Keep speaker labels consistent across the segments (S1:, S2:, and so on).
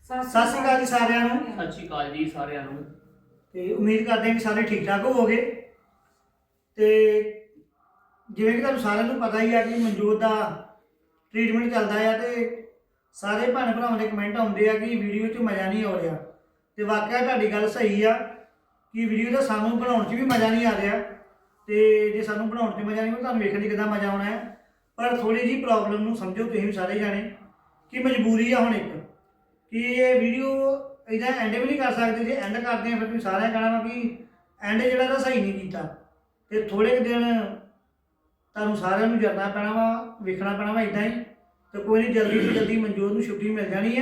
S1: ਸਤਿ ਸ਼੍ਰੀ ਅਕਾਲ ਜੀ ਸਾਰਿਆਂ ਨੂੰ।
S2: ਸਤਿ ਸ਼੍ਰੀ ਅਕਾਲ ਜੀ ਸਾਰਿਆਂ ਨੂੰ।
S1: ਤੇ ਉਮੀਦ ਕਰਦੇ ਹਾਂ ਕਿ ਸਾਰੇ ਠੀਕ ਠਾਕ ਹੋਵੋਗੇ। ਤੇ ਜਿਵੇਂ ਕਿ ਤੁਹਾਨੂੰ ਸਾਰਿਆਂ ਨੂੰ ਪਤਾ ਹੀ ਆ ਕਿ ਮਨਜੋਤ ਦਾ ਟ੍ਰੀਟਮੈਂਟ ਚੱਲਦਾ ਆ ਤੇ ਸਾਰੇ ਭੈਣ ਭਰਾਵਾਂ ਦੇ ਕਮੈਂਟ ਆਉਂਦੇ ਆ ਕਿ ਵੀਡੀਓ 'ਚ ਮਜ਼ਾ ਨਹੀਂ ਆ ਰਿਹਾ। ਤੇ ਵਾਕਿਆ ਤੁਹਾਡੀ ਗੱਲ ਸਹੀ ਆ ਕਿ ਵੀਡੀਓ ਦਾ ਸਾਨੂੰ ਬਣਾਉਣ 'ਚ ਵੀ ਮਜ਼ਾ ਨਹੀਂ ਆ ਰਿਹਾ। ਤੇ ਜੇ ਸਾਨੂੰ ਬਣਾਉਣ 'ਚ ਮਜ਼ਾ ਨਹੀਂ ਆਉਂਦਾ ਤੁਹਾਨੂੰ ਵੇਖਣ 'ਚ ਕਿੱਦਾਂ ਮਜ਼ਾ ਆਉਣਾ ਹੈ। ਪਰ ਥੋੜੀ ਜਿਹੀ ਪ੍ਰੋਬਲਮ ਨੂੰ ਸਮਝੋ ਤੁਸੀਂ ਵੀ ਸਾਰੇ ਜਾਣੇ ਕਿ ਮਜਬੂਰੀ ਆ ਹੁਣ ਇੱਕ ਕਿ ਇਹ ਵੀਡੀਓ ਇਹਦਾ ਐਂਡ ਵੀ ਨਹੀਂ ਕਰ ਸਕਦੇ। ਜੇ ਐਂਡ ਕਰਦੇ ਆ ਫਿਰ ਤੁਸੀਂ ਸਾਰਿਆਂ ਕਹਿਣਾ ਵਾ ਕਿ ਐਂਡ ਜਿਹੜਾ ਤਾਂ ਸਹੀ ਨਹੀਂ ਕੀਤਾ। ਤੇ ਥੋੜੇ ਕੁ ਦਿਨ ਤੁਹਾਨੂੰ ਸਾਰਿਆਂ ਨੂੰ ਜਰਨਾ ਪੈਣਾ ਵਾ, ਵੇਖਣਾ ਪੈਣਾ ਵਾ ਇਦਾਂ ਹੀ। ਤੇ ਕੋਈ ਨਹੀਂ, ਜਲਦੀ ਤੋਂ ਜਲਦੀ ਮਨਜੋਤ ਨੂੰ ਛੁੱਟੀ ਮਿਲ ਜਾਣੀ ਹੈ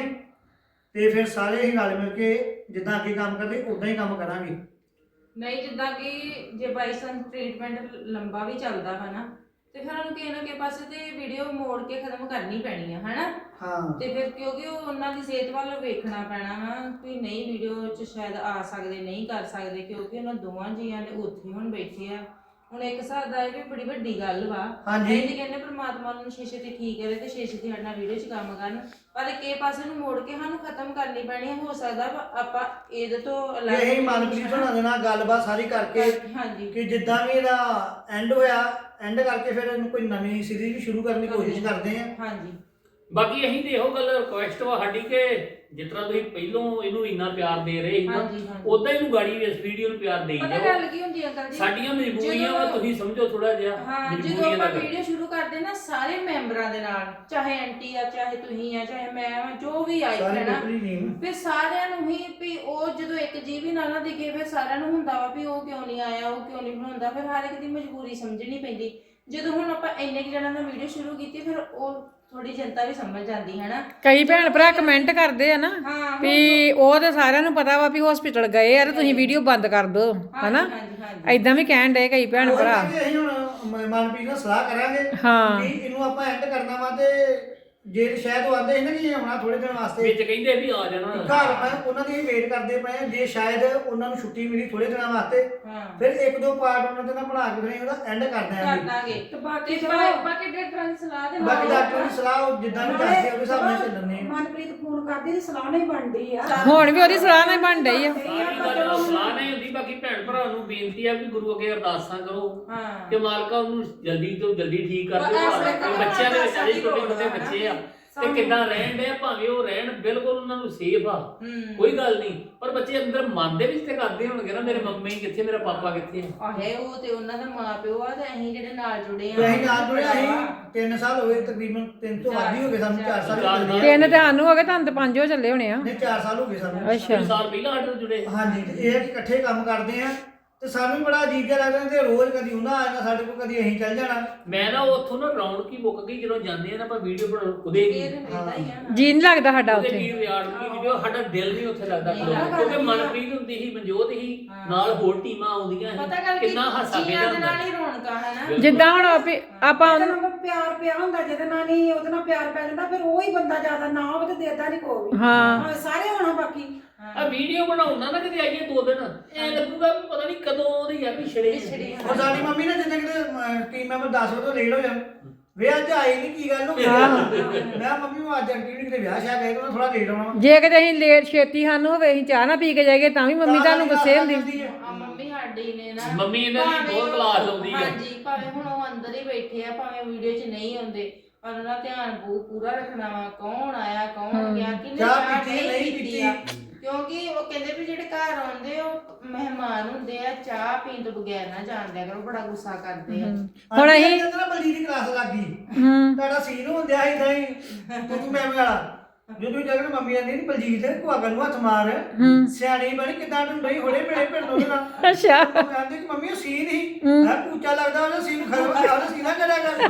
S1: ਤੇ ਫਿਰ ਸਾਰੇ ਹੀ ਨਾਲ ਮਿਲ ਕੇ ਜਿੱਦਾਂ ਅੱਗੇ ਕੰਮ ਕਰਦੇ ਉਦਾਂ ਹੀ ਕੰਮ ਕਰਾਂਗੇ।
S3: ਨਹੀਂ ਜਿੱਦਾਂ ਕਿ ਜੇ ਬਾਈ ਚਾਂਸ ਟ੍ਰੀਟਮੈਂਟ ਲੰਬਾ ਵੀ ਚੱਲਦਾ ਵਾ ਨਾ ਤੇ ਫਿਰ ਉਹਨੂੰ ਕਿਸੇ ਨਾ ਕਿਸੇ ਪਾਸੇ ਤੇ ਵੀਡੀਓ ਮੋੜ ਕੇ ਖਤਮ ਕਰਨੀ ਪੈਣੀ ਆ ਹਨਾ।
S1: ਹਾਂ
S3: ਤੇ ਫਿਰ ਕਿਉਂਕਿ ਉਹ ਉਹਨਾਂ ਦੀ ਸਿਹਤ ਵੱਲ ਵੇਖਣਾ ਪੈਣਾ ਵਾ ਕਿ ਨਹੀਂ ਵੀਡੀਓ 'ਚ ਸ਼ਾਇਦ ਆ ਸਕਦੇ ਨਹੀਂ ਕਰ ਸਕਦੇ ਕਿਉਂਕਿ ਉਹਨਾਂ ਦੋਵਾਂ ਜੀਆਂ ਨੇ ਉੱਥੇ ਹੁਣ ਬੈਠੇ ਆ। ਹੁਣ ਇੱਕ ਹਿਸਾਬ ਦਾ ਇਹ ਵੀ ਬੜੀ ਵੱਡੀ ਗੱਲ ਵਾ।
S1: ਹਾਂਜੀ।
S3: ਇਹ ਕਹਿੰਦੇ ਪ੍ਰਮਾਤਮਾ ਨੂੰ ਛੇ ਛੇਤੀ ਠੀਕ ਕਰੇ ਤੇ ਛੇ ਛੇਤੀ ਸਾਡੇ ਨਾਲ ਵੀਡੀਓ 'ਚ ਕੰਮ ਕਰਨ, ਪਰ ਕਿਸੇ ਪਾਸੇ ਨੂੰ ਮੋੜ ਕੇ ਸਾਨੂੰ ਖਤਮ ਕਰਨੀ ਪੈਣੀ ਹੈ। ਹੋ ਸਕਦਾ ਆਪਾਂ ਇਹਦੇ ਤੋਂ
S1: ਇਹ ਮਨਪ੍ਰੀਤ ਹੋਣਾ ਦੇ ਨਾਲ ਗੱਲਬਾਤ ਸਾਰੀ ਕਰਕੇ
S3: ਹਾਂਜੀ
S1: ਕਿ ਜਿੱਦਾਂ ਵੀ ਇਹਦਾ ਐਂਡ ਹੋਇਆ ਐਂਡ ਕਰਕੇ ਫਿਰ ਇਹਨੂੰ ਕੋਈ ਨਵੀਂ ਸੀਰੀਜ਼ ਵੀ ਸ਼ੁਰੂ ਕਰਨ ਦੀ ਕੋਸ਼ਿਸ਼ ਕਰਦੇ ਆ।
S3: ਹਾਂਜੀ
S2: ਬਾਕੀ ਅਸੀਂ ਤੇ ਇਹੋ ਗੱਲ ਰਿਕੁਐਸਟ ਵਾ ਸਾਡੀ ਕਿ ਜਿਸ ਤਰ੍ਹਾਂ ਤੁਸੀਂ ਪਹਿਲੋਂ ਇਹਨੂੰ ਇੰਨਾ ਪਿਆਰ ਦੇ ਰਹੇ ਸੀ ਨਾ
S3: ਹਾਂਜੀ ਹਾਂਜੀ
S2: ਉਦਾਂ ਇਹਨੂੰ ਗਾੜੀ ਇਸ ਵੀਡੀਓ ਨੂੰ ਪਿਆਰ ਦੇਈ
S3: ਪਤਾ
S2: ਜਾਓ।
S3: ਗੱਲ ਕੀ ਹੁੰਦੀ ਅੰਕਲ ਜੀ,
S2: ਸਾਡੀਆਂ ਮਜਬੂਰੀਆਂ ਵਾ, ਤੁਸੀਂ ਸਮਝੋ ਥੋੜਾ ਜਿਹਾ
S3: ਹਾਂ ਜਦੋਂ
S2: ਮਜਬੂਰੀਆਂ
S3: ਆਪਾਂ
S2: ਦਾ
S3: ਵੀਡੀਓ ਸ਼ੁਰੂ ਕਰਦੇ ਨਾ ਸਾਰੇ ਮੈਂਬਰਾਂ ਦੇ ਨਾਲ, ਚਾਹੇ ਆਂਟੀ ਆ ਚਾਹੇ ਤੁਸੀਂ ਆ ਚਾਹੇ ਮੈਂ ਆ ਜੋ ਵੀ ਆਈ
S1: ਸਾਰੀ
S3: ਹੈ ਨਾ,
S1: ਟੋਟਲੀ ਨਹੀਂ
S3: ਫਿਰ ਸਾਰਿਆਂ ਨੂੰ ਹੀ ਵੀ ਉਹ ਜਦੋਂ ਇੱਕ ਜੀ ਵੀ ਨਾ ਦਿਖੇ ਫਿਰ ਸਾਰਿਆਂ ਨੂੰ ਹੁੰਦਾ ਵਾ ਵੀ ਉਹ ਕਿਉਂ ਨਹੀਂ ਆਇਆ ਉਹ ਕਿਉਂ ਨਹੀਂ ਬਣਾਉਂਦਾ। ਫਿਰ ਹਰ ਇੱਕ ਦੀ ਮਜਬੂਰੀ ਸਮਝਣੀ ਪੈਂਦੀ। ਜਦੋਂ ਹੁਣ ਆਪਾਂ ਇੰਨੇ ਕੁ ਜਣਾਂ ਨਾਲ ਵੀਡੀਓ ਸ਼ੁਰੂ ਕੀਤੀ ਫਿਰ ਉਹ ਥੋੜੀ ਜਨਤਾ ਵੀ ਸਮਝ ਜਾਂਦੀ ਹੈ ਨਾ।
S4: ਕਈ ਭੈਣ ਭਰਾ ਕਮੈਂਟ ਕਰਦੇ ਆ ਨਾ
S3: ਹਾਂ
S4: ਵੀ ਉਹ ਤੇ ਸਾਰਿਆਂ ਨੂੰ ਪਤਾ ਵਾ ਵੀ ਹਸਪੀਟਲ ਗਏ ਆ ਤੇ ਤੁਸੀਂ ਵੀਡੀਓ ਬੰਦ ਕਰ ਦਿਓ ਹਨਾ।
S3: ਹਾਂਜੀ ਹਾਂਜੀ
S4: ਐਦਾਂ ਵੀ ਕਹਿਣ ਡਏ ਕਈ ਭੈਣ ਭਰਾ।
S1: ਅਸੀਂ ਹੁਣ ਮਨਪ੍ਰੀਤ ਨਾਲ ਸਲਾਹ ਕਰਾਂਗੇ
S4: ਹਾਂ
S1: ਕਿ ਇਹਨੂੰ ਆਪਾਂ ਐਂਡ ਕਰਨਾ ਵਾ ਤੇ ਜੇ ਸ਼ਾਇਦ ਉਹ ਆਂਦੇ ਸੀ ਨਾ ਕਿ ਆਉਣਾ ਥੋੜੇ ਦਿਨ ਵਾਸਤੇ
S2: ਵਿੱਚ ਕਹਿੰਦੇ ਵੀ ਆ ਜਾਣਾ।
S1: ਘਰ ਮੈਂ ਉਹਨਾਂ ਦੀ ਵੇਟ ਕਰਦੇ ਪਏ ਜੇ ਸ਼ਾਇਦ ਉਹਨਾਂ ਨੂੰ ਛੁੱਟੀ ਮਿਲੀ ਥੋੜੇ ਦਿਨਾਂ ਵਾਸਤੇ
S3: ਹਾਂ
S1: ਫਿਰ ਇੱਕ ਦੋ ਪਾਰਟ ਉਹਨਾਂ ਦੇ ਨਾਲ ਬਣਾ ਕੇ ਫਿਰ ਉਹਦਾ ਐਂਡ ਕਰ
S3: ਕਰ
S1: ਦਿਆਂਗੇ।
S3: ਦਾਂਗੇ
S5: ਤੇ ਬਾਕੀ
S3: ਤੇ
S5: ਚਲੋ
S3: ਬਾਕੀ ਡਾਕਟਰਾਂ ਦੀ ਸਲਾਹ ਦੇ
S1: ਬਾਕੀ
S3: ਨਾਲ
S1: ਡਾਕਟਰ ਦੀ ਸਲਾਹ ਉਹ ਜਿੱਦਾਂ ਵੀ ਦੱਸਦੇ ਆ ਉਹਦੇ ਹਿਸਾਬ ਨਾਲ ਚੱਲਣੇ ਆ।
S5: ਮਨਪ੍ਰੀਤ ਫੋਨ ਕਰਦੀ ਤੇ ਸਲਾਹ ਨਹੀਂ ਬਣਦੀ ਆ।
S4: ਹੁਣ ਵੀ ਉਹਦੀ ਸਲਾਹ ਨਾਲ ਬਣ ਡਈ ਆ।
S2: ਸਾਰੀ ਗੱਲ ਸਲਾਹ ਨਹੀਂ ਹੁੰਦੀ। ਬਾਕੀ ਭੈਣ ਭਰਾ ਨੂੰ ਬੇਨਤੀ ਆ ਵੀ ਗੁਰੂ ਅੱਗੇ ਅਰਦਾਸਾਂ ਕਰੋ
S3: ਹਾਂ
S2: ਕਿ ਮਾਲਕਾ ਉਹਨੂੰ ਜਲਦੀ ਤੋਂ ਜਲਦੀ ਠੀਕ ਕਰ
S3: ਬਸ ਇਸ ਵੇਲੇ
S2: ਦਿਓ।
S3: ਤਾਂ
S2: ਬੱਚਿਆਂ ਦੇ ਵਿੱਚ ਅਜੇ ਛੋਟੇ ਛੋਟੇ
S3: ਹਾਂ
S2: ਬੱਚੇ ਆ ਤੇ
S3: ਸਾਨੂੰ-
S2: ਕਿੱਦਾਂ ਰਹਿਣ ਦੇ ਭਾਵੇਂ ਉਹ ਰਹਿਣ ਬਿਲਕੁਲ ਉਹਨਾਂ ਨੂੰ ਸੇਫ ਆ
S3: ਹੂੰ
S2: ਕੋਈ ਗੱਲ ਨਹੀਂ, ਪਰ ਬੱਚੇ ਅੰਦਰ ਮਨ ਦੇ ਵਿੱਚ ਤੇ ਕਰਦੇ ਹੋਣਗੇ ਨਾ ਮੇਰੇ ਮੰਮੀ ਕਿੱਥੇ ਮੇਰਾ ਪਾਪਾ ਕਿੱਥੇ।
S3: ਆਹੇ ਉਹ ਤੇ ਉਹਨਾਂ ਦਾ ਮਾਂ ਪਿਓ ਆ ਤੇ ਅਸੀਂ ਜਿਹੜੇ ਨਾਲ ਜੁੜੇ ਆ।
S1: ਤੇ ਅਸੀਂ ਨਾਲ ਜੁੜੇ ਅਸੀਂ 3 ਸਾਲ ਹੋਏ ਤਕਰੀਬਨ 3 ਤੋਂ ਵੱਧ ਹੀ ਹੋ ਗਏ ਸਾਨੂੰ 4 ਸਾਲ ਹੋ ਗਏ।
S4: ਤਿੰਨ ਤੇ ਸਾਨੂੰ ਹੋ ਗਏ ਤੁਹਾਨੂੰ ਤੇ 5 ਹੋ ਚੱਲੇ ਹੋਣੇ ਆ।
S1: ਨਹੀਂ 4 ਸਾਲ ਹੋ ਗਏ ਸਾਨੂੰ।
S4: ਅੱਛਾ
S2: 3 ਸਾਲ ਪਹਿਲਾਂ ਸਾਡੇ ਨਾਲ ਜੁੜੇ।
S1: ਹਾਂਜੀ ਤੇ ਇਹ ਹੈ ਕਿ ਇਕੱਠੇ ਕੰਮ ਕਰਦੇ ਆ ਤੇ ਸਾਨੂੰ ਵੀ ਬੜਾ ਅਜੀਬ ਜਿਹਾ ਲੱਗਦਾ ਤੇ ਰੋਜ਼ ਕਦੀ ਉਹਨਾਂ ਆ ਜਾਣਾ ਸਾਡੇ ਕੋਲ ਕਦੀ ਅਸੀਂ ਚੱਲ ਜਾਣਾ।
S2: ਮੈਂ ਨਾ ਉੱਥੋਂ ਨਾ ਰੌਣਕ ਹੀ ਮੁੱਕ ਗਈ ਜਦੋਂ ਜਾਂਦੇ ਆ ਨਾ ਆਪਾਂ ਵੀਡੀਓ ਬਣਾਉਣ ਉਹਦੇ
S3: ਫਿਰ
S2: ਵੀ
S3: ਏਦਾਂ ਹੀ ਆ ਨਾ।
S4: ਜੀ ਨਹੀਂ ਲੱਗਦਾ ਸਾਡਾ
S2: ਉਹਦੇ
S4: ਉੱਥੇ।
S2: ਵੀ ਰਿਆੜ ਦੀ ਵੀਡੀਓ ਸਾਡਾ ਦਿਲ ਨਹੀਂ ਉੱਥੇ ਲੱਗਦਾ
S3: ਨਹੀਂ
S2: ਖਲੋਣ ਨੂੰ।
S3: ਲੱਗਦਾ।
S2: ਕਿਉਂਕਿ ਮਨਪ੍ਰੀਤ ਹੁੰਦੀ ਸੀ ਮਨਜੋਤ ਸੀ
S3: ਹਾਂ।
S2: ਨਾਲ ਹੋਰ ਟੀਮਾਂ ਆਉਂਦੀਆਂ
S3: ਪਤਾ
S2: ਸੀ
S3: ਗੱਲ ਕੀ
S2: ਕਿੰਨਾ ਹਾਸਾ
S3: ਜੀਆਂ
S2: ਖੇਡਦਾ
S3: ਦੇ ਨਾਲ
S2: ਹੁੰਦਾ
S3: ਹੀ ਰੌਣਕਾਂ ਹੈ ਨਾ।
S4: ਜਿੱਦਾਂ ਹੁਣ ਆਪਾਂ
S5: ਉਹਦੇ ਨਾਲ ਪਿਆਰ ਪਿਆ ਹੁੰਦਾ ਜਿਹਦੇ ਨਾਲ ਨਹੀਂ ਉਹਦੇ ਨਾਲ ਪਿਆਰ ਪੈ ਜਾਂਦਾ ਫਿਰ ਉਹ ਹੀ ਬੰਦਾ ਜ਼ਿਆਦਾ ਨਾ ਹੋਵੇ ਤੇ ਦੇਦਾ ਨਹੀਂ ਕੋਈ ਵੀ।
S4: ਹਾਂ
S5: ਸਾਰੇ ਹੋਣਾ ਬਾਕੀ
S2: ਆ ਵੀਡੀਓ ਬਣਾਉਣਾ ਨਾ ਕਿਤੇ ਆਈਏ 2 ਦਿਨ ਐ ਲੱਗੂਗਾ ਵੀ ਪਤਾ ਨਹੀਂ ਕਦੋਂ ਉਹਦੀ ਆ ਪਿਛੜੇ
S3: ਪਿਛੜੇ
S1: ਹੁਣ ਸਾਡੀ ਮੰਮੀ ਨੇ ਜਿੰਨੇ ਕਿਤੇ ਟੀਮ ਮੈਂਬਰ 10 ਵਜੇ ਤੋਂ ਲੇਟ ਹੋ ਜਾਣ ਵੇ ਅੱਜ ਆਈ ਨਹੀਂ ਕੀ ਗੱਲ ਹੋ ਗਈ। ਮੈਂ ਕਿਹਾ ਮੰਮੀ ਨੂੰ ਅੱਜ ਐਕਟੀਵਿਟੀ ਕਿਤੇ ਵਿਆਹ ਸ਼ਾਇਦ ਗਏ ਤਾਂ ਥੋੜਾ ਲੇਟ ਆਉਣਾ ਵਾ।
S4: ਜੇ ਕਿਤੇ ਅਸੀਂ ਲੇਟ ਛੇਤੀ ਸਾਨੂੰ ਹੋਵੇ ਅਸੀਂ ਚਾਹ ਨਾ ਪੀ ਕੇ ਜਾਈਏ ਤਾਂ ਵੀ ਮੰਮੀ ਤੁਹਾਨੂੰ ਗੁੱਸੇ ਹੁੰਦੀ।
S3: ਆ ਮੰਮੀ ਸਾਡੀ ਨੇ ਨਾ
S2: ਮੰਮੀ ਇਹਨਾਂ ਦੀ
S3: ਭਾਵੇਂ
S2: ਬਹੁਤ
S3: ਉਹ-
S2: ਕਲਾਸ ਆਉਂਦੀ ਆ।
S3: ਹਾਂਜੀ ਭਾਵੇਂ ਹੁਣ ਉਹ ਅੰਦਰ ਹੀ ਬੈਠੇ ਆ ਭਾਵੇਂ ਵੀਡੀਓ 'ਚ ਨਹੀਂ ਆਉਂਦੇ ਪਰ ਉਹਨਾਂ ਧਿਆਨ ਪੂਰਾ ਰੱਖਣਾ ਵਾ ਕੌਣ ਆਇਆ ਕੌਣ ਗਿਆ ਕਿੰਨੇ
S1: ਚਾਹ ਪੀਤੀ, ਨਹੀਂ ਪੀਤੀ।
S3: ਆ। ਕਿਉਂਕਿ ਉਹ ਕਹਿੰਦੇ ਵੀ ਜਿਹੜੇ ਘਰ ਆਉਂਦੇ ਉਹ ਮਹਿਮਾਨ ਹੁੰਦੇ ਆ ਚਾਹ ਪੀਣ ਤੋਂ ਬਗੈਰ ਨਾ ਜਾਣ ਦਿਆ ਕਰੋ ਬੜਾ ਗੁੱਸਾ ਕਰਦੇ ਆ।
S4: ਹੁਣ ਅਸੀਂ
S1: ਨਾ ਬਲਜੀਤ ਦੀ ਕਲਾਸ ਲੱਗ ਗਈ
S4: ਹੂੰ
S1: ਤੁਹਾਡਾ ਸੀਨ ਹੁੰਦਿਆ ਇਦਾਂ ਹੀ ਤੂੰ ਮੈਂ ਵਾਲਾ ਜਦੋਂ ਜਗਨ ਮੰਮੀ ਆਂਦੀ ਨਹੀਂ ਬਲਜੀਤ ਕੁਆਗਲ ਨੂੰ ਹੱਥ ਮਾਰ
S4: ਹੂੰ
S1: ਸਿਆਣੀ ਬਣੀ ਕਿਦਾਂ ਤੂੰ ਨਹੀਂ ਹੋੜੇ ਮੇਰੇ ਪਿੰਡ ਤੋਂ ਨਾ
S4: ਅੱਛਾ
S1: ਉਹ ਕਹਿੰਦੇ ਕਿ ਮੰਮੀ ਉਹ ਸੀਨ ਹੀ ਹੈ ਪੂਚਾ ਲੱਗਦਾ ਉਹਦਾ ਸੀਨ ਖਰਾਬ ਆ ਉਹਦਾ ਸੀਨਾ ਕਰਿਆ ਕਰ।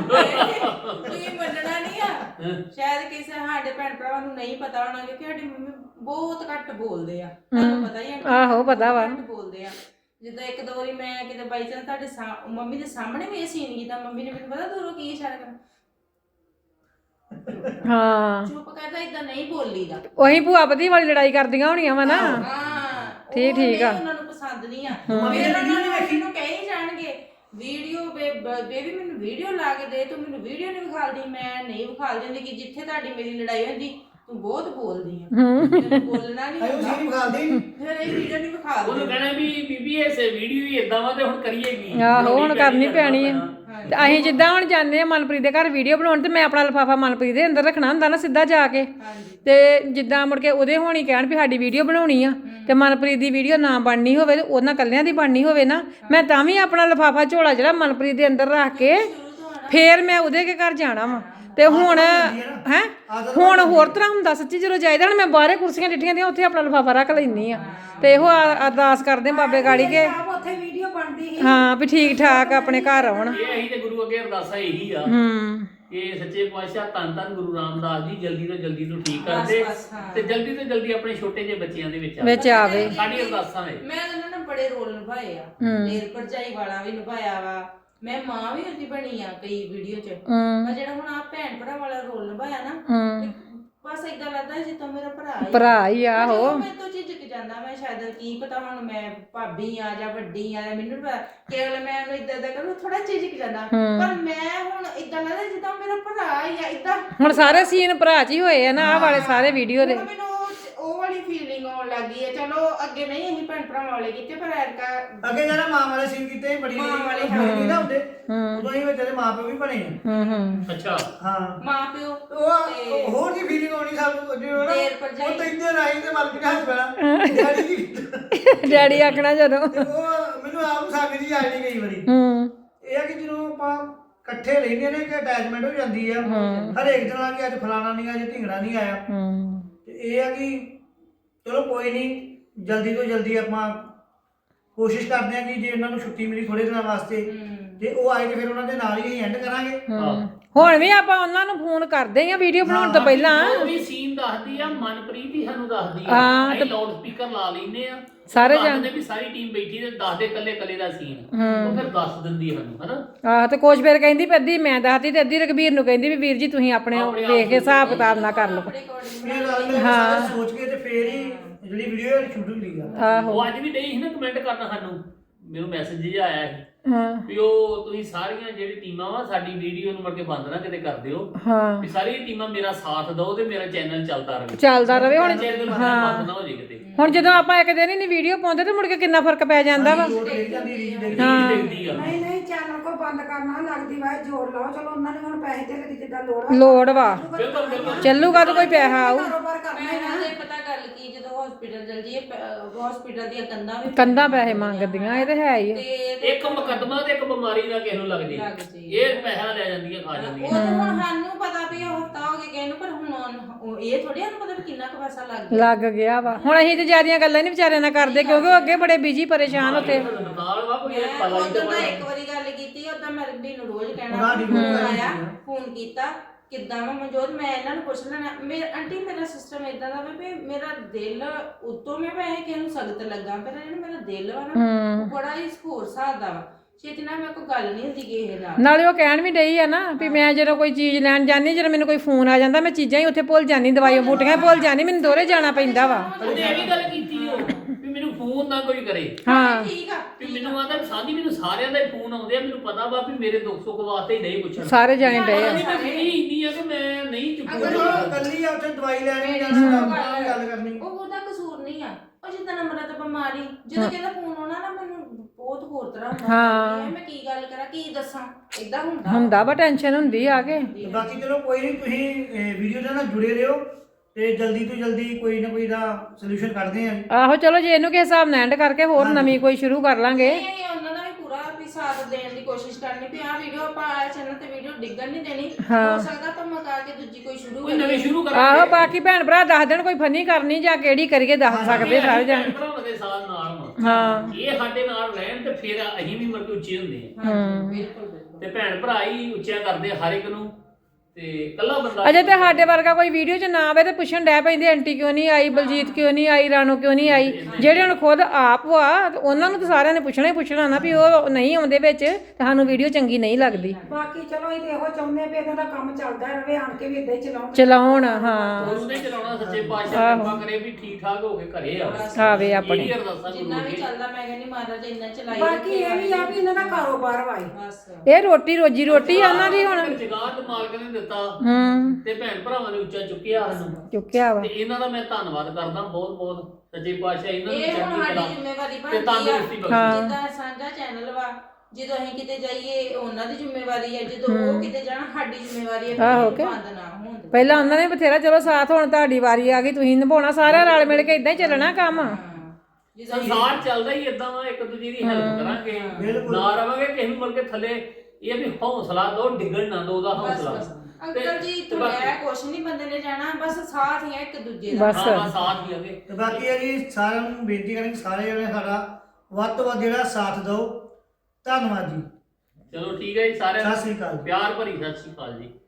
S3: ਤੁਸੀਂ ਮੰਨਣਾ ਨਹੀਂ ਆ ਸ਼ਾਇਦ ਕਿਸੇ ਸਾਡੇ ਭੈਣ ਭਰਾਵਾਂ ਨੂੰ ਨਹੀਂ ਪਤਾ ਹੋਣਾ ਕਿ ਸਾਡੀ ਮੰਮੀ ਬਹੁਤ ਘੱਟ ਬੋਲਦੇ ਆ ਤੁਹਾਨੂੰ ਪਤਾ ਹੀ ਆ
S4: ਆਹੋ ਪਤਾ ਵਾ।
S3: ਘੱਟ ਬੋਲਦੇ ਆ। ਜਿੱਦਾਂ ਇੱਕ ਦੋ ਵਾਰੀ ਮੈਂ ਕਿਤੇ ਬਾਈ ਚਾਂਸ ਤੁਹਾਡੇ ਮੰਮੀ ਦੇ ਸਾਹਮਣੇ ਵੀ ਇਹ ਸੀਨ ਕੀਤਾ ਮੰਮੀ ਨੇ ਮੈਨੂੰ ਪਤਾ ਦੂਰੋਂ ਕੀ ਇਸ਼ਾਰਾ ਕਰਨਾ
S4: ਹਾਂ
S3: ਚੁੱਪ ਕਰਦਾ ਇਦਾਂ ਨਹੀਂ ਬੋਲੀਦਾ।
S4: ਉਹੀ ਭੂਆ ਪਤੀ ਵਾਲੀ ਲੜਾਈ ਕਰਦੀਆਂ ਹੋਣੀਆਂ ਵਾ ਨਾ।
S3: ਹਾਂ
S4: ਠੀਕ
S3: ਉਹ
S4: ਆ।
S3: ਨਹੀਂ ਉਹਨਾਂ ਨੂੰ ਪਸੰਦ ਨਹੀਂ ਆ
S1: ਮੰਮੀ ਨੇ
S3: ਫਿਰ
S1: ਵੀਡੀਓ
S3: ਉਹਨਾਂ
S1: ਨਹੀਂ ਵੇਖੀ।
S3: ਨੂੰ ਕਹੀ ਜਾਣਗੇ ਵੀਡੀਓ ਬੇਬੀ ਮੈਨੂੰ ਵੀਡੀਓ ਲਾ ਕੇ ਦੇ ਤੂੰ ਮੈਨੂੰ ਵੀਡੀਓ ਨਹੀਂ ਵਿਖਾਲਦੀ ਮੈਂ ਨਹੀਂ ਵਿਖਾਲ ਦਿੰਦੀ ਕਿ ਜਿੱਥੇ ਤੁਹਾਡੀ ਮੇਰੀ ਲੜਾਈ ਹੁੰਦੀ ਤੂੰ ਬਹੁਤ ਬੋਲਦੀ ਆ ਤੈਨੂੰ ਬੋਲਣਾ ਨਹੀਂ
S1: ਆਇਓ
S3: ਆਉਂਦਾ
S1: ਸੀ ਖਾਲਦੀ ਨਹੀਂ
S3: ਫਿਰ ਇਹ ਵੀਡੀਓ ਨਹੀਂ ਵਿਖਾ
S2: ਉਹਨੂੰ
S3: ਦਿੰਦੇ
S2: ਕਹਿਣਾ ਵੀ ਬੀਬੀ ਇਸ ਵੀਡੀਓ ਹੀ ਇਦਾਂ ਵਾ ਤੇ ਹੁਣ ਕਰੀਏ ਕੀ
S4: ਆਹੋ, ਹੁਣ ਕਰਨੀ ਪੈਣੀ ਆ।
S3: ਹਾਂਜੀ।
S4: ਤੇ ਅਸੀਂ ਜਿੱਦਾਂ ਹੁਣ ਜਾਂਦੇ ਆ ਮਨਪ੍ਰੀਤ ਦੇ ਘਰ ਵੀਡੀਓ ਬਣਾਉਣ ਤੇ ਮੈਂ ਆਪਣਾ ਲਿਫਾਫਾ ਮਨਪ੍ਰੀਤ ਦੇ ਅੰਦਰ ਰੱਖਣਾ ਹੁੰਦਾ ਨਾ ਸਿੱਧਾ ਜਾ ਕੇ
S3: ਹਾਂਜੀ
S4: ਤੇ ਜਿੱਦਾਂ ਮੁੜ ਕੇ ਉਹਦੇ ਹੋਣੀ ਕਹਿਣ ਵੀ ਸਾਡੀ ਵੀਡੀਓ ਬਣਾਉਣੀ ਆ ਤੇ ਮਨਪ੍ਰੀਤ ਦੀ ਵੀਡੀਓ ਨਾ ਬਣਨੀ ਹੋਵੇ ਤੇ ਉਹਨਾਂ ਕੱਲਿਆਂ ਦੀ ਬਣਨੀ ਹੋਵੇ ਨਾ ਮੈਂ ਤਾਂ ਵੀ ਆਪਣਾ ਲਿਫਾਫਾ ਝੋਲਾ ਜਿਹੜਾ ਮਨਪ੍ਰੀਤ ਦੇ ਅੰਦਰ ਰੱਖ ਕੇ ਫੇਰ ਮੈਂ ਉਹਦੇ ਕੇ ਘਰ ਜਾਣਾ ਵਾ ਤੇ ਹੁਣ ਹੈ ਹੁਣ ਹੋਰ ਤਰ੍ਹਾਂ ਹੁੰਦਾ ਸੱਚੀ ਜਦੋਂ ਜਾਈਦਾ ਹੁਣ ਮੈਂ ਬਾਹਰੇ ਕੁਰਸੀਆਂ ਡਿੱਠੀਆਂ ਦੀਆਂ ਉੱਥੇ ਆਪਣਾ ਲਿਫਾਫਾ ਰੱਖ ਲੈਂਦੀ ਆ ਤੇ ਇਹੋ ਅਰਦਾਸ ਕਰਦੇ ਬਾਬੇ ਗਾੜੀ ਕੇ
S5: ਆਪ ਉੱਥੇ ਵੀਡੀਓ ਬਣਦੀ ਸੀ
S4: ਹਾਂ ਵੀ ਠੀਕ ਠਾਕ ਆਪਣੇ ਘਰ ਆਉਣ
S2: ਇਹ ਅਸੀਂ ਤੇ ਗੁਰੂ ਅੱਗੇ ਅਰਦਾਸਾਂ ਇਹੀ ਆ ਕਿ ਸੱਚੇ ਪਾਤਸ਼ਾਹ ਧੰਨ ਧੰਨ ਗੁਰੂ ਰਾਮਦਾਸ ਜੀ ਜਲਦੀ ਤੋਂ ਠੀਕ ਕਰ ਦੇ
S3: ਬਸ, ਹਾਂ।
S2: ਤੇ ਜਲਦੀ ਤੋਂ ਜਲਦੀ ਆਪਣੇ ਛੋਟੇ ਜਿਹੇ ਬੱਚਿਆਂ ਦੇ ਵਿੱਚ
S4: ਵਿੱਚ ਆਵੇ
S2: ਸਾਡੀ ਅਰਦਾਸਾਂ ਨੇ
S3: ਮੈਂ ਉਹਨਾਂ ਨੇ ਬੜੇ ਰੋਲ ਨਿਭਾਏ ਆ ਦੇਰ ਭਰਜਾਈ ਵਾਲਾ ਵੀ ਨਿਭਾਇਆ ਵਾ ਮੈਂ ਮਾਂ ਵੀ ਉਹਦੀ ਬਣੀ ਆ ਕਈ ਵੀਡੀਓ 'ਚ ਪਰ ਜਿਹੜਾ ਹੁਣ ਆ ਭੈਣ ਭਰਾ ਵਾਲਾ ਰੋਲ ਨਿਭਾਇਆ ਨਾ ਤੇ ਬਸ ਏਦਾਂ ਲੱਗਦਾ ਜਿੱਦਾਂ ਮੇਰਾ
S4: ਭਰਾ ਹੀ ਆ
S3: ਜਦੋਂ
S4: ਉਹ
S3: ਮੈਂ ਤੋਂ ਝਿਜਕ ਜਾਂਦਾ ਮੈਂ ਸ਼ਾਇਦ ਕੀ ਪਤਾ ਹੁਣ ਮੈਂ ਭਾਬੀ ਆ ਜਾਂ ਵੱਡੀ ਆ ਮੈਨੂੰ ਨੀ ਪਤਾ ਕੇਵਲ ਮੈਂ ਉਹਨੂੰ ਇਦਾਂ ਕਰੂ ਥੋੜਾ ਝਿਜਕ ਜਾਂਦਾ ਪਰ ਮੈਂ ਹੁਣ ਇਦਾਂ ਲੱਗਦਾ ਜਿੱਦਾਂ ਮੇਰਾ ਭਰਾ ਹੀ ਆ ਇਦਾਂ
S4: ਹੁਣ ਸਾਰੇ ਸੀਨ ਭਰਾ 'ਚ ਹੀ ਹੋਏ ਆ ਨਾ ਆਹ ਵਾਲੇ ਸਾਰੇ ਵੀਡੀਓ ਦੇ
S3: ਮੈਨੂੰ ਉਹ ਵਾਲੀ ਫੀਲਿੰਗ ਆਉਣ ਲੱਗੀ ਹੈ ਚਲੋ ਅੱਗੇ ਨਹੀਂ ਅਸੀਂ ਭੈਣ ਭਰਾਵਾਂ ਵਾਲੇ ਕੀਤੇ ਪਰ ਐਰਕਾ
S1: ਅੱਗੇ ਜਿਹੜਾ ਮਾਂ ਵਾਲੇ ਸੀਨ ਕੀਤੇ ਬੜੀ
S3: ਮਾਂ ਵਾਲੇ
S1: ਨਹੀਂ ਨਾ ਹੁੰਦੇ ਉਦੋਂ ਹੀ ਵਿੱਚ ਇਹਦੇ ਮਾਂ ਪਿਓ ਵੀ ਬਣੇ ਆ।
S2: ਅੱਛਾ
S1: ਹਾਂ
S3: ਮਾਂ ਪਿਓ
S1: ਉਹ ਹੋਰ ਦੀ ਫੀਲਿੰਗ ਆਉਣੀ ਸਾਨੂੰ ਜਿਵੇਂ ਨਾ
S3: ਦੇਰ ਭਰਜਾਈ।
S1: ਉਹ ਤਾਂ ਇੱਧਰ ਆਈ ਤੇ ਮਲਕ ਦੇ ਹੱਥ ਪੈਣਾ ਡੈਡੀ ਜੀ
S4: ਡੈਡੀ ਆਖਣਾ ਜਦੋਂ
S1: ਤੇ ਉਹ ਮੈਨੂੰ ਆਪ ਨੂੰ ਸੰਗ ਜੀ ਆਈ ਨਹੀਂ ਕਈ ਵਾਰੀ ਇਹ ਆ ਕਿ ਜਦੋਂ ਆਪਾਂ ਇਕੱਠੇ ਰਹਿੰਦੇ ਨੇ ਕਿ ਅਟੈਚਮੈਂਟ ਹੋ ਜਾਂਦੀ ਆ ਹਰੇਕ ਦਿਨ ਆ ਕਿ ਅੱਜ ਫਲਾਣਾ ਨਹੀਂ ਅੱਜ ਢਿੰਗੜਾ ਨਹੀਂ ਆਇਆ ਤੇ ਇਹ ਆ ਕਿ ਚਲੋ ਕੋਈ ਨਹੀਂ ਜਲਦੀ ਤੋਂ ਜਲਦੀ ਆਪਾਂ ਕੋਸ਼ਿਸ਼ ਕਰਦੇ ਆ ਕਿ ਜੇ ਉਹਨਾਂ ਨੂੰ ਛੁੱਟੀ ਮਿਲੀ ਥੋੜੇ ਦਿਨਾਂ ਵਾਸਤੇ ਤੇ ਉਹ ਆਏ ਤੇ ਫਿਰ ਉਹਨਾਂ ਦੇ ਨਾਲ ਹੀ ਅਸੀਂ ਐਂਡ ਕਰਾਂਗੇ
S4: ਹੁਣ ਵੀ ਆਪਾਂ ਉਹਨਾਂ ਨੂੰ ਫੋਨ ਕਰਦੇ ਆ ਵੀਡੀਓ ਬਣਾਉਣ ਤੋਂ ਪਹਿਲਾਂ
S2: ਉਹ ਵੀ ਸੀਨ ਦੱਸਦੀ ਆ ਮਨਪ੍ਰੀਤ ਹੀ ਸਾਨੂੰ ਦੱਸਦੀ ਆ
S4: ਹਾਂ,
S2: ਅਸੀਂ ਲਾਊਡ ਸਪੀਕਰ ਲਾ ਲੈਨੇ ਆ
S4: ਸਾਰੇ
S2: ਜਾਣਦੇ ਵੀ ਸਾਰੀ ਟੀਮ ਬੈਠੀ ਤੇ ਦੱਸਦੇ ਕੱਲੇ ਦਾ ਸੀਨ ਉਹ ਫਿਰ ਦੱਸ ਦਿੰਦੀ ਆ ਸਾਨੂੰ ਹਨਾ
S4: ਆਹ ਤੇ ਕੋਚ ਫਿਰ ਕਹਿੰਦੀ ਵੀ ਅੱਧੀ ਮੈਂ ਦੱਸਦੀ ਤੇ ਅੱਧੀ ਰਘਬੀਰ ਨੂੰ ਕਹਿੰਦੀ ਵੀ ਵੀਰ ਜੀ ਤੁਸੀਂ ਆਪਣੇ ਵੇਖ ਕੇ ਹਿਸਾਬ ਕਿਤਾਬ ਨਾ ਕਰ ਲਓ
S1: ਇਹ ਗੱਲ ਸਾਰੇ ਸੋਚ ਕੇ ਤੇ ਫੇਰ ਹੀ ਜਿਹੜੀ ਵੀਡੀਓ ਸ਼ੂਟ ਹੁੰਦੀ ਆ
S2: ਉਹ ਅੱਜ ਵੀ ਡਈ ਸੀ ਨਾ ਕਮੈਂਟ ਕਰਨਾ ਸਾਨੂੰ ਮੈਨੂੰ ਮੈਸੇਜ ਜਿਹਾ ਆਇਆ ਸੀ ਵੀ ਉਹ ਤੁਸੀਂ ਸਾਰੀਆਂ ਜਿਹੜੀ ਟੀਮਾਂ ਵਾ ਸਾਡੀ ਵੀਡੀਓ ਨੂੰ ਮੁੜ ਕੇ ਬੰਦ ਨਾ ਕਿਤੇ ਕਰ ਦਿਓ ਵੀ ਸਾਰੀਆਂ ਟੀਮਾਂ ਮੇਰਾ ਸਾਥ ਦਿਓ ਤੇ ਮੇਰਾ ਚੈਨਲ ਚੱਲਦਾ ਰਹੇ
S4: ਹੁਣ
S2: ਚੈਨਲ ਬੰਦ ਨਾ ਹੋ ਜੇ ਕਿਤੇ
S4: ਹੁਣ ਜਦੋਂ ਆਪਾਂ ਇੱਕ ਦਿਨ ਹੀ ਨਹੀਂ ਵੀਡੀਓ ਪਾਉਂਦੇ ਤੇ ਮੁੜ ਕੇ ਕਿੰਨਾ ਫਰਕ ਪੈ ਜਾਂਦਾ ਵਾ
S2: ਦੇਖਦੀ ਆ
S5: ਨਹੀਂ ਨਹੀਂ ਚੈਨਲ ਕੋ ਬੰਦ ਕਰਨਾ ਲੱਗਦੀ ਵਾ ਜੋੜ ਲਾਓ ਚਲੋ ਉਹਨਾਂ ਨੇ ਹੁਣ ਪੈਸੇ ਤੇ ਦੀ ਜਿੱਦਾਂ ਲੋੜ
S4: ਲੋੜ ਵਾ
S2: ਬਿਲਕੁਲ ਬਿਲਕੁਲ
S4: ਚੱਲੂਗਾ ਤਾਂ ਕੋਈ ਪੈਸਾ ਆਊ
S5: ਕਾਰੋਬਾਰ ਕਰਨਾ ਹੀ
S3: ਮੈਂ ਤੇ ਪਤਾ ਗੱਲ ਕੀ ਜਦੋਂ ਹਸਪੀਟਲ ਚਲ ਜੀਏ ਹਸਪੀਟਲ ਦੀਆਂ
S4: ਕੰਧਾਂ ਪੈਸੇ ਮੰਗਦੀਆਂ ਇਹ ਤੇ ਹੈ ਹੀ ਆ।
S3: ਤੇ
S2: ਇੱਕ ਮੁਕੱਦਮਾ ਤੇ ਇੱਕ ਬਿਮਾਰੀ ਦਾ ਕਿਸੇ ਨੂੰ ਲੱਗ ਜੇ ਇਹ ਪੈਸਾ ਲੈ ਜਾਂਦੀਆਂ ਖਾ
S3: ਉਹ
S2: ਜਾਂਦੀਆਂ
S3: ਤਾਂ ਹੁਣ ਸਾਨੂੰ ਪਤਾ ਵੀ ਉਹ ਹਫਤਾ ਹੋ ਗਿਆ ਕਿਸੇ ਨੂੰ ਪਰ ਹੁਣ ਇਹ ਥੋੜੀ ਸਾਨੂੰ ਪਤਾ ਵੀ ਕਿੰਨਾ ਕੁ ਪੈਸਾ ਲੱਗ ਗਿਆ
S4: ਲੱਗ ਗਿਆ ਵਾ ਹੁਣ ਅਸੀਂ ਤੇ ਜਿਆਦੀਆਂ ਗੱਲਾਂ ਨਹੀਂ ਵਿਚਾਰਿਆਂ ਨਾਲ ਕਰਦੇ ਕਿਉਂਕਿ ਉਹ ਅੱਗੇ ਬੜੇ ਬਿਜੀ ਪਰੇਸ਼ਾਨ ਉੱਥੇ
S2: ਨਾਲ ਵਾ ਕੋਈ
S3: ਮੈਂ
S2: ਪਤਾ
S3: ਉਦੋਂ
S2: ਨਹੀਂ
S3: ਇੱਕ ਵਾਰੀ ਗੱਲ ਕੀਤੀ ਉਦੋਂ ਮੈਂ ਰੱਬੀ ਨੂੰ ਰੋਜ਼ ਕਹਿਣਾ ਆਇਆ ਫੋਨ ਕੀਤਾ ਕਿੱਦਾਂ ਵਾ ਮਨਜੋਤ ਮੈਂ ਇਹਨਾਂ ਨੂੰ ਪੁੱਛ ਲੈਣਾ ਮੇਰੇ ਆਂਟੀ ਮੇਰਾ ਸਿਸਟਮ ਇਦਾਂ ਦਾ ਵੀ ਮੇਰਾ ਦਿਲ ਉਤੋਂ ਮੈਂ ਵੈਸੇ ਕਿਸੇ ਨੂੰ ਸਖਤ ਲੱਗਾ ਪਰ ਜਿਹੜਾ ਮੇਰਾ ਦਿਲ ਵਾ ਨਾ ਉਹ ਬੜਾ ਹੀ ਹੋਰ ਹਿਸਾਬ ਦਾ ਵਾ ਛੇਤੀ ਨਾਲ ਮੇਰੇ ਕੋਈ ਗੱਲ ਨਹੀਂ ਹੁੰਦੀ ਕਿਸੇ ਨਾਲ
S4: ਨਾਲੇ ਉਹ ਕਹਿਣ ਵੀ ਡਈ ਆ ਨਾ ਵੀ ਮੈਂ ਜਦੋਂ ਕੋਈ ਚੀਜ਼ ਲੈਣ ਜਾਂਦੀ ਜਦੋਂ ਮੈਨੂੰ ਕੋਈ ਫੋਨ ਆ ਜਾਂਦਾ ਮੈਂ ਚੀਜ਼ਾਂ ਹੀ ਉੱਥੇ ਭੁੱਲ ਜਾਂਦੀ ਦਵਾਈਆਂ ਬੂਟੀਆਂ ਭੁੱਲ ਜਾਂਦੀ ਮੈਨੂੰ ਦੋਰੇ ਜਾਣਾ ਪੈਂਦਾ ਵਾ
S2: ਉਹਨੇ ਇਹ ਵੀ ਗੱਲ ਕੀਤੀ ਉਹ ਵੀ ਮੈਨੂੰ ਫੋਨ ਨਾ ਕੋਈ ਕਰੇ
S4: ਹਾਂ
S3: ਠੀਕ ਆ
S2: ਵੀ ਮੈਨੂੰ ਆਂਦਾ ਸਾਡੀ ਮੈਨੂੰ ਸਾਰਿਆਂ ਦਾ ਹੀ ਫੋਨ ਆਉਂਦੇ ਆ ਮੈਨੂੰ ਪਤਾ ਵਾ ਵੀ ਮੇਰੇ ਦੁੱਖ ਸੁੱਖ ਵਾਸਤੇ ਹੀ ਨਹੀਂ ਪੁੱਛਣ
S4: ਸਾਰੇ ਜਾਣੇ ਡਏ ਆ
S2: ਨਹੀਂ ਇੰਨੀ ਆ ਕਿ ਮੈਂ ਨਹੀਂ ਚੁੱਕੂ
S1: ਕੱਲੀ ਆ ਉੱਥੇ ਦਵਾਈ ਲੈਣੀ ਜਾਂ ਗੱਲ ਕਰਨੀ
S3: ਉਹ ਉਹਦਾ ਕਸੂਰ ਨਹੀਂ ਆ ਉਹ ਜਿੱਦਾਂ ਨੰਬਰਾਂ ਤੇ ਬਿਮਾਰੀ ਜਦੋਂ ਕਹਿੰਦਾ ਫੋਨ ਆਉਣਾ ਨਾ ਮੈਨੂੰ ਬਹੁਤ ਹੋਰ ਤਰ੍ਹਾਂ ਹੁੰਦਾ ਮੈਂ ਕੀ ਗੱਲ ਕਰਾਂ ਕੀ ਦੱਸਾਂ ਇਦਾਂ
S4: ਹੁੰਦਾ ਵਾ ਟੈਨਸ਼ਨ ਹੁੰਦੀ ਆ ਕੇ
S1: ਬਾਕੀ ਚਲੋ ਕੋਈ ਨਹੀਂ ਤੁਸੀਂ ਵੀਡੀਓ ਦੇ ਨਾਲ ਜੁੜੇ ਰਹੋ ਤੇ ਜਲਦੀ ਤੋਂ ਜਲਦੀ ਕੋਈ ਨਾ ਕੋਈ ਦਾ ਸੋਲੂਸ਼ਨ ਕੱਢਦੇ ਆਂ
S4: ਆਹੋ ਚਲੋ ਜੇ ਇਹਨੂੰ ਕਿਸੇ ਹਿਸਾਬ ਨਾਲ ਐਂਡ ਕਰਕੇ ਹੋਰ ਨਵੀਂ ਕੋਈ ਸ਼ੁਰੂ ਕਰ ਲਾਂਗੇ
S3: ਨਹੀਂ ਉਹਨਾਂ ਦਾ ਵੀ ਪੂਰਾ ਵੀ ਸਾਥ ਦੇਣ ਦੀ ਕੋਸ਼ਿਸ਼ ਕਰਨੀ ਵੀ ਆਹ ਵੀਡੀਓ ਆਪਾਂ ਆ ਚੈਨਲ ਤੇ ਵੀਡੀਓ ਡਿੱਗਣ ਨਹੀਂ ਦੇਣੀ ਹੋ ਸਕਦਾ ਤਾਂ ਮਕਾ ਕੇ ਦੂਜੀ ਕੋਈ ਸ਼ੁਰੂ
S2: ਕੋਈ ਨਵੀਂ ਸ਼ੁਰੂ ਕਰਾਂਗੇ
S4: ਆਹੋ ਬਾਕੀ ਭੈਣ ਭਰਾ ਦੱਸ ਦੇਣ ਕੋਈ ਫਨੀ ਕਰਨੀ ਜਾਂ ਕਿਹੜੀ ਕਰੀਏ ਦੱਸ ਸਕਦੇ ਸਾਰੇ ਜਾਣੇ
S2: ਭਰਾਵਾਂ ਦੇ ਸਾਥ ਨਾਲ
S4: ਹਾਂ
S2: ਇਹ ਸਾਡੇ ਨਾਲ ਰਹਿਣ ਤੇ ਫਿਰ ਅਸੀਂ ਵੀ ਮਰ ਕੇ ਉੱਚੇ ਹੁੰਦੇ ਆ
S3: ਬਿਲਕੁਲ
S2: ਤੇ ਭੈਣ ਭਰਾ ਹੀ ਉੱਚਿਆ ਕਰਦੇ ਆ ਹਰ ਇੱਕ ਨੂੰ ਤੇ ਕੱਲਾ ਬੰਦਾ
S4: ਅਜੇ ਤੇ ਸਾਡੇ ਵਰਗਾ ਕੋਈ ਵੀਡੀਓ 'ਚ ਨਾ ਆਵੇ ਤੇ ਪੁੱਛਣ ਡੈ ਪੈਂਦੇ ਆਂਟੀ ਕਿਉਂ ਨਹੀਂ ਆਈ ਬਲਜੀਤ ਕਿਉਂ ਨਹੀਂ ਆਈ ਰਾਣੋ ਕਿਉਂ ਨਹੀਂ ਆਈ ਜਿਹੜੇ ਹੁਣ ਖੁਦ ਆਪ ਵਾ ਤੇ ਉਹਨਾਂ ਨੂੰ ਤਾਂ ਸਾਰਿਆਂ ਨੇ ਪੁੱਛਣਾ ਹੀ ਪੁੱਛਣਾ ਨਾ ਵੀ ਉਹ ਨਹੀਂ ਆਉਂਦੇ ਵਿੱਚ ਤੇ ਸਾਨੂੰ ਵੀਡੀਓ ਚੰਗੀ ਨਹੀਂ ਲੱਗਦੀ
S5: ਬਾਕੀ ਚਲੋ ਇਹ ਇਹੋ ਚਾਹੁੰਦੇ ਵੀ ਇਹਨਾਂ ਦਾ ਕੰਮ ਚੱਲਦਾ ਰਹੇ ਆਣ ਕੇ ਵੀ ਇਦਾਂ ਹੀ
S4: ਚਲਾਉਣ ਹਾਂ
S2: ਉਹਨੇ ਚਲਾਉਣਾ ਸੱਚੇ ਪਾਤਸ਼ਾਹ ਕਿਰਪਾ ਕਰੇ ਵੀ ਠੀਕ ਠਾਕ ਹੋ ਕੇ ਘਰੇ
S4: ਆਵੇ ਆਪਣੇ
S2: ਇਹ ਅਰਦਾਸਾਂ
S3: ਜਿੰਨਾ ਵੀ ਚੱਲਦਾ ਮੈਂ ਕਹਿੰਦੀ ਮਹਾਰਾਜ ਇੰਨਾ ਚਲਾਈ
S5: ਬਾਕੀ ਇਹ ਵੀ ਆ ਵੀ ਇਹਨਾਂ ਦਾ ਕਾਰੋਬਾਰ ਵਾਏ
S3: ਬਸ
S4: ਇਹ ਰੋਟੀ ਰੋਜੀ ਰੋਟੀ ਆ ਉਹਨਾਂ ਦੀ ਹੁਣ
S2: ਜਗਾਤ ਮਾਲਕ ਨੇ ਦਿੱਤਾ
S4: ਹੂੰ
S2: ਤੇ ਭੈਣ ਭਰਾਵਾਂ ਨੇ ਉੱਚਾ ਚੁੱਕਿਆ ਸਾਨੂੰ
S4: ਚੁੱਕਿਆ ਵਾ
S2: ਤੇ ਇਹਨਾਂ ਦਾ ਮੈਂ ਧੰਨਵਾਦ ਕਰਦਾ ਬਹੁਤ ਬਹੁਤ ਸੱਚੇ ਪਾਤਸ਼ਾਹ ਇਹਨਾਂ ਨੂੰ
S3: ਇਹ ਹੁਣ
S2: ਚੜ੍ਹਦੀ ਕਲਾ
S3: ਸਾਡੀ ਜ਼ਿੰਮੇਵਾਰੀ
S2: ਤੇ
S3: ਬਣਦੀ
S2: ਤੰਦਰੁਸਤੀ
S3: ਆ
S2: ਬਖਸ਼ੇ।
S3: ਜਿੱਦਾਂ ਸਾਂਝਾ ਚੈਨਲ ਵਾ ਜਦੋਂ ਅਸੀਂ ਕਿਤੇ ਜਾਈਏ ਉਹਨਾਂ ਦੀ ਜ਼ਿੰਮੇਵਾਰੀ ਹੈ ਜਦੋਂ ਉਹ ਕਿਤੇ ਜਾਣ ਸਾਡੀ ਜ਼ਿੰਮੇਵਾਰੀ ਹੈ
S4: ਆਹੋ
S3: ਕਿ
S4: ਕਿ
S3: ਬੰਦ ਨਾ ਹੋਣ ਦਿਓ।
S4: ਪਹਿਲਾਂ ਉਹਨਾਂ ਨੇ ਬਥੇਰਾ ਚਲੋ ਸਾਥ, ਹੁਣ ਤੁਹਾਡੀ ਵਾਰੀ ਆ ਗਈ, ਤੁਸੀਂ ਨਿਭਾਉਣਾ, ਸਾਰਿਆਂ ਰਲ ਮਿਲ ਕੇ ਇਦਾਂ ਹੀ ਚੱਲਣਾ ਕੰਮ।
S3: ਜਦੋਂ
S2: ਸੰਸਾਰ ਚੱਲਦਾ ਹੀ ਇਦਾਂ ਵਾ, ਇੱਕ ਦੂਜੇ ਦੀ ਹੈਲਪ ਕਰਾਂਗੇ
S1: ਬਿਲਕੁਲ।
S2: ਨਾ ਰਵਾਂਗੇ ਕਿਸੇ ਨੂੰ ਮੁੜ ਕੇ ਥੱਲੇ। ਇਹ ਵੀ ਹੌਸਲਾ ਦੋ, ਡਿੱਗਣ ਨਾ ਦੋ, ਉਹਦਾ
S3: ਬਸ
S2: ਹੌਸਲਾ।
S3: ਬਸ ਅੰਕਲ ਜੀ ਤੁਹਾਡਾ ਕੁਛ ਨਹੀਂ ਬੰਦੇ ਨੇ ਜਾਣਾ, ਬਸ ਸਾਥ ਹੀ ਆ ਇੱਕ ਦੂਜੇ ਦਾ।
S4: ਬਸ
S2: ਹਾਂ ਸਾਥ ਹੀ ਆਗੇ।
S1: ਤੇ ਬਾਕੀ ਹੈ ਜੀ ਸਾਰਿਆਂ ਨੂੰ ਬੇਨਤੀ ਕਰਾਂਗੇ ਸਾਰੇ ਜਣੇ ਸਾਡਾ ਵੱਧ ਤੋਂ ਵੱਧ ਜਿਹੜਾ ਸਾਥ ਦਿਓ। ਧੰਨਵਾਦ ਜੀ।
S2: ਚਲੋ ਠੀਕ ਹੈ ਜੀ, ਸਾਰਿਆਂ
S1: ਸਤਿ ਸ੍ਰੀ ਅਕਾਲ।
S2: ਪਿਆਰ ਭਰੀ ਸਤਿ ਸ਼੍ਰੀ ਅਕਾਲ ਜੀ।